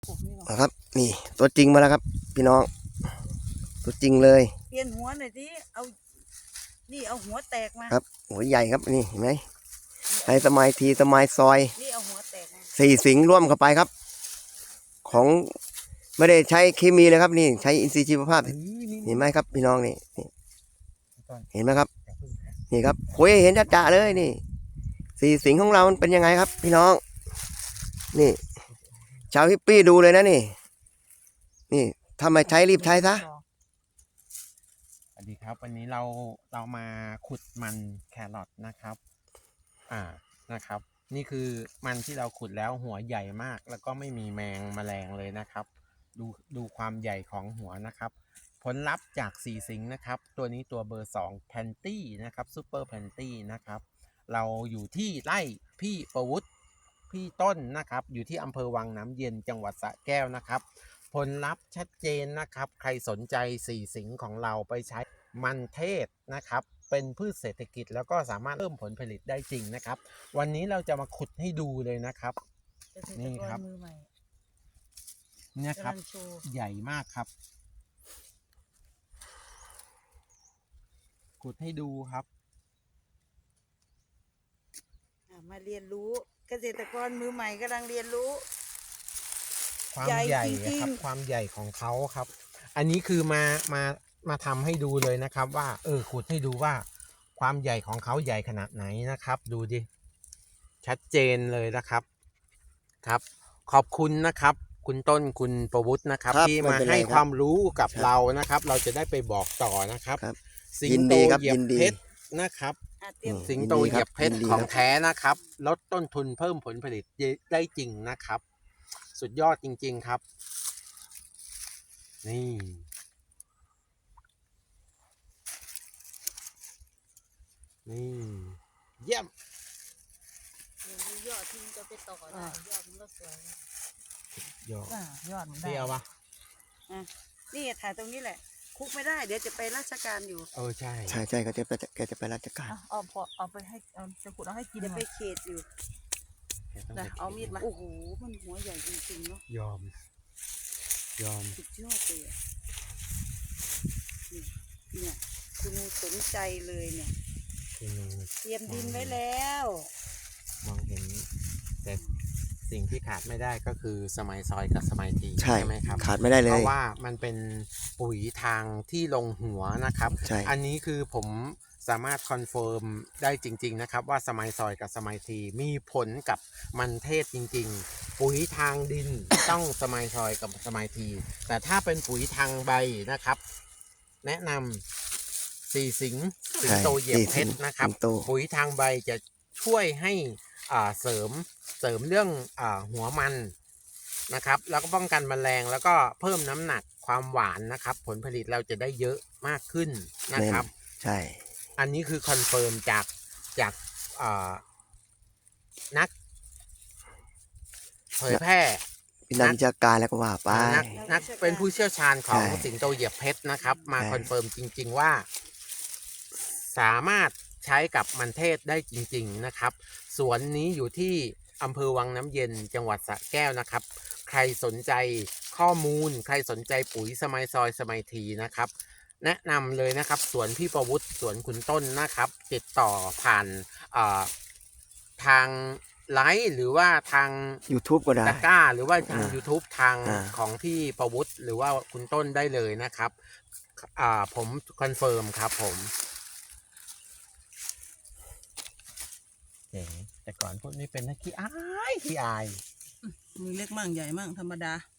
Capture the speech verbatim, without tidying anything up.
นะครับนี่ตัวจริงมาแล้วครับพี่น้องตัวจริงเลยเปลี่ยนหัวหน่อยสิเอานี่เอาหัวแตกมาครับหัวใหญ่ครับนี่เห็นไหมไอ้สมัยทีสมัยซอยนี่เอาหัวแตกมาสี่สิงร่วมเข้าไปครับของไม่ได้ใช้เคมีเลยครับนี่ใช้อินทรีย์ชีวภาพเห็นไหมครับพี่น้องนี่เห็นไหมครับนี่ครับโอ้ยเห็นจ้าๆเลยนี่สี่สิงของเรามันเป็นยังไงครับพี่น้องนี่ชาวฮิปปี้ดูเลยนะนี่นี่ถ้าไม่ใช้รีบใช้ซะสวัสดีครับวันนี้เราเรามาขุดมันแครอทนะครับอ่านะครับนี่คือมันที่เราขุดแล้วหัวใหญ่มากแล้วก็ไม่มีแมงแมลงเลยนะครับดูดูความใหญ่ของหัวนะครับผลลัพธ์จากสี่สิงนะครับตัวนี้ตัวเบอร์สองแพนตี้นะครับซูเปอร์แพนตี้นะครับเราอยู่ที่ไร่พี่ประวุฒิพี่ต้นนะครับอยู่ที่อำเภอวังน้ำเย็นจังหวัดสระแก้วนะครับผลลัพธ์ชัดเจนนะครับใครสนใจสี่สิงของเราไปใช้มันเทศนะครับเป็นพืชเศรษฐกิจแล้วก็สามารถเพิ่มผลผลิตได้จริงนะครับวันนี้เราจะมาขุดให้ดูเลยนะครับนี่ครับเนี่ยครับใหญ่มากครับขุดให้ดูครับมาเรียนรู้เกษตรกรมือใหม่กำลังเรียนรู้ความใหญ่ครับความใหญ่ของเขาครับอันนี้คือมามามาทำให้ดูเลยนะครับว่าเออขุดให้ดูว่าความใหญ่ของเขาใหญ่ขนาดไหนนะครับดูดิชัดเจนเลยนะครับครับขอบคุณนะครับคุณต้นคุณประวุฒินะครับที่มาให้ความรู้กับเรานะครับเราจะได้ไปบอกต่อนะครับสิงโตเหยียบเพชรนะครับสิงโตเหยียบเพชรของแท้นะครับลดต้นทุนเพิ่มผลผลิตได้จริงนะครับสุดยอดจริงๆครับนี่นี่เยี่ยมยอดที่จะไปต่อได้ยอดมันก็สวยยอดยอดมันได้เดียวปะนี่ถ่ายตรงนี้แหละคุกไม่ได้เดี๋ยวจะไปราชการอยู่เออใช่ใช่ใช่เขาจะไปแกจะไปราชการเอาพอเอาไปให้เอาจะขุดเอาให้กินจะไปเขตอยู่นะเอามีดมาโอ้โหมันหัวใหญ่จริงๆเนาะยอมยอมสุดยอดเลยเนี่ยคุณสนใจเลยเนี่ยเตรียมดินไว้แล้วมองเห็นแต่สิ่งที่ขาดไม่ได้ก็คือสมัยซอยกับสมัยทีใช่ไหมครับขาดไม่ได้เลยเพราะว่ามันเป็นปุ๋ยทางที่ลงหัวนะครับอันนี้คือผมสามารถคอนเฟิร์มได้จริงๆนะครับว่าสมัยซอยกับสมัยทีมีผลกับมันเทศจริงๆปุ๋ยทางดิน ต้องสมัยซอยกับสมัยทีแต่ถ้าเป็นปุ๋ยทางใบนะครับแนะนำสี่สิงสิงโตเหยียบเพชรนะครับปุ๋ยทางใบจะช่วยให้เสริมเสริมเรื่องอหัวมันนะครับแล้วก็ป้องกันแมลงแล้วก็เพิ่มน้ำหนักความหวานนะครับผลผลิตเราจะได้เยอะมากขึ้นนะครับใช่อันนี้คือคอนเฟิร์มจากจากนักเผยแพร่นักวิชาการแล้วก็ว่าไปนักนักเป็นผู้เชี่ยวชาญของสิงโตเหยียบเพชรนะครับมาคอนเฟิร์มจริงๆว่าสามารถใช้กับมันเทศได้จริงๆนะครับสวนนี้อยู่ที่อำเภอวังน้ำเย็นจังหวัดสระแก้วนะครับใครสนใจข้อมูลใครสนใจปุ๋ยสมัยซอยสมัยทีนะครับแนะนำเลยนะครับสวนพี่ประวุฒิสวนคุณต้นนะครับติดต่อผ่านทางไลฟ์หรือว่าทาง YouTube ก็ได้ตะกร้าหรือว่าทาง YouTube ทางของพี่ประวุฒิหรือว่าคุณต้นได้เลยนะครับผมคอนเฟิร์มครับผมแต่ก่อนพวกนี้เป็นนักขี้อายขี้อายมือเล็กมั่งใหญ่มั่งธรรมดา